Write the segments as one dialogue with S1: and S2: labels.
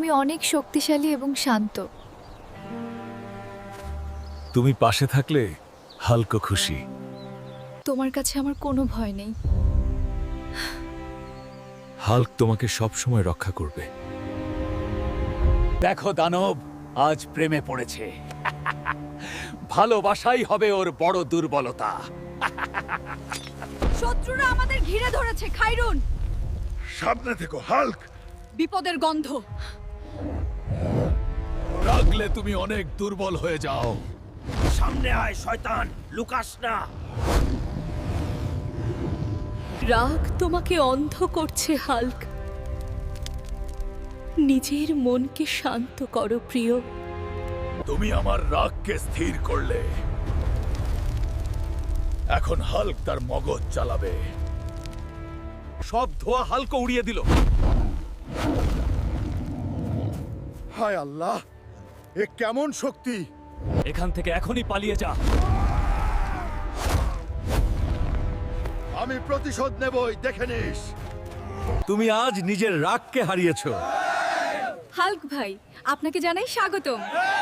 S1: তুমি অনেক শক্তিশালী এবং শান্ত।
S2: তুমি পাশে থাকলে হালকা খুশি।
S1: তোমার কাছে আমার কোনো ভয় নেই।
S2: হাল্ক তোমাকে সবসময় রক্ষা করবে।
S3: দেখো দানব আজ প্রেমে পড়েছে। ভালোবাসাই হবে ওর বড় দুর্বলতা।
S1: শত্রুরা আমাদের ঘিরে ধরেছে খাইরুন।
S4: সামনে থেকো হাল্ক।
S1: বিপদের গন্ধ।
S3: রাগলে তুমি অনেক দুর্বল হয়ে যাও।
S4: সামনে আয় শয়তান, লুকাস না।
S5: রাগ তোমাকে অন্ধ করছে হাল্ক। নিজের মনকে শান্ত করো প্রিয়।
S3: তুমি আমার রাগকে স্থির করলে। এখন হাল্ক তার মগজ চালাবে। সব ধোয়া হাল্ক উড়িয়ে দিল।
S4: হায় আল্লাহ, এ কেমন শক্তি!
S3: এখান থেকে এখনই পালিয়ে যা।
S4: আমি প্রতিশোধ নেবই, দেখে নিস।
S2: তুমি আজ নিজের রাগকে হারিয়েছো।
S1: হাল্ক ভাই, আপনাকে জানাই স্বাগতম।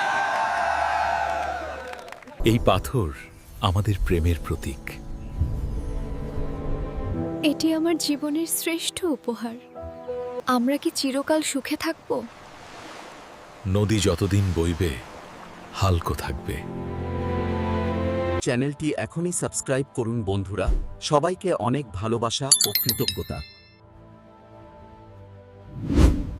S2: এই পাথর আমাদের প্রেমের প্রতীক।
S1: এটি আমার জীবনের শ্রেষ্ঠ উপহার। আমরা কি চিরকাল সুখে থাকব?
S2: নদী যতদিন বইবে হাল্কও থাকবে।
S6: চ্যানেলটি এখনই সাবস্ক্রাইব করুন বন্ধুরা। সবাইকে অনেক ভালোবাসা ও কৃতজ্ঞতা।